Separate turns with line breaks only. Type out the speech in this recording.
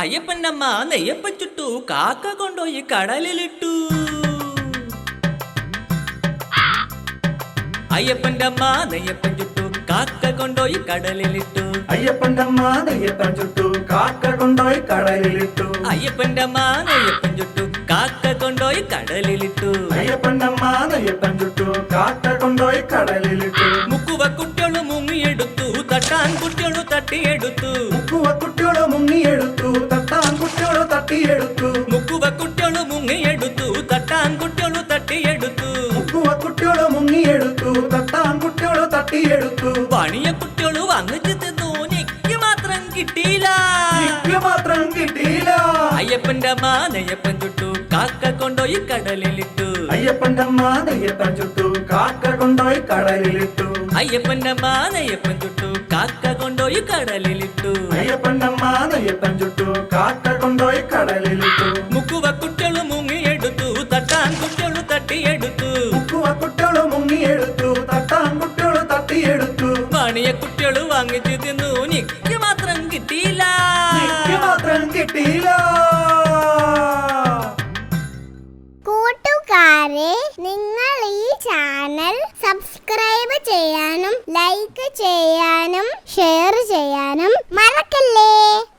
അയ്യപ്പന്റെ അമ്മ നെയ്യപ്പം ചുട്ടു, കാക്ക കൊണ്ടുപോയി കടലിലിട്ടു. അയ്യപ്പന്റെ അമ്മ നെയ്യപ്പം ചുട്ടു, കാക്ക കൊണ്ടുപോയി കടലിലിട്ടു.
അയ്യപ്പന്റെ അമ്മ നെയ്യപ്പം ചുട്ടു, കാക്ക കൊണ്ടുപോയി കടലിലിട്ടു.
അയ്യപ്പന്റെ അമ്മ നെയ്യപ്പം ചുട്ടു, കാക്ക കൊണ്ടുപോയി കടലിലിട്ടു.
അയ്യപ്പന്റെ അമ്മ നെയ്യപ്പം ചുട്ടു, കാക്ക കൊണ്ടുപോയി കടലിലിട്ടു.
മുക്കുവ കുട്ടിയോള് മുങ്ങിയെടുത്തു, തട്ടാൻ കുട്ടിയോള് തട്ടിയെടുത്തു.
മുക്കുവ കുട്ടിയോള് മുങ്ങിയെടുത്തു, തട്ടാൻ കുട്ടിയോള് തട്ടിയെടുത്തു.
മുക്കുവ കുട്ടിയോള് മുങ്ങിയെടുത്തു, തട്ടാൻ കുട്ടിയോള് തട്ടിയെടുത്തു.
മുക്കുവ കുട്ടിയോള് മുങ്ങിയെടുത്തു, തട്ടാൻ കുട്ടിയോള് തട്ടിയെടുത്തു.
പണിയ കുട്ടിയോള് വന്നിട്ട് തിന്നു, എനിക്ക് മാത്രം കിട്ടിയില്ല.
എനിക്ക് മാത്രം കിട്ടിയില്ല.
അയ്യപ്പന്റെ അമ്മ നെയ്യപ്പം ചുട്ടു, കാക്ക കൊണ്ടുപോയി കടലിലിട്ടു.
അയ്യപ്പന്റെ അമ്മ നെയ്യപ്പം ചുട്ടു, കാക്ക കൊണ്ടുപോയി കടലിലിട്ടു.
അയ്യപ്പന്റെ അമ്മ നെയ്യപ്പം ചുട്ടു, കാക്ക കൊണ്ടുപോയി കടലിലിട്ടു.
അയ്യപ്പന്റെ അമ്മ നെയ്യപ്പം ചുട്ടു, കാക്ക കൊണ്ടുപോയി കടലിലിട്ടു.
മുക്കുവ കുട്ടിയോള് മുങ്ങിയെടുത്തു, തട്ടാൻ കുട്ടിയോള് തട്ടിയെടുത്തു.
മുക്കുവ കുട്ടിയോള് മുങ്ങിയെടുത്തു, തട്ടാൻ കുട്ടിയോള് തട്ടിയെടുത്തു.
പണിയ കുട്ടിയോള് വാങ്ങിച്ചു തിന്നു, എനിക്ക് മാത്രം കിട്ടിയില്ല.
എനിക്ക് മാത്രം കിട്ടിയില്ല.
കൂട്ടുകാരെ, നിങ്ങൾ ഈ ചാനൽ സബ്സ്ക്രൈബ് ചെയ്യാനും ലൈക്ക് ചെയ്യാനും ഷെയർ ചെയ്യാനും മറക്കല്ലേ.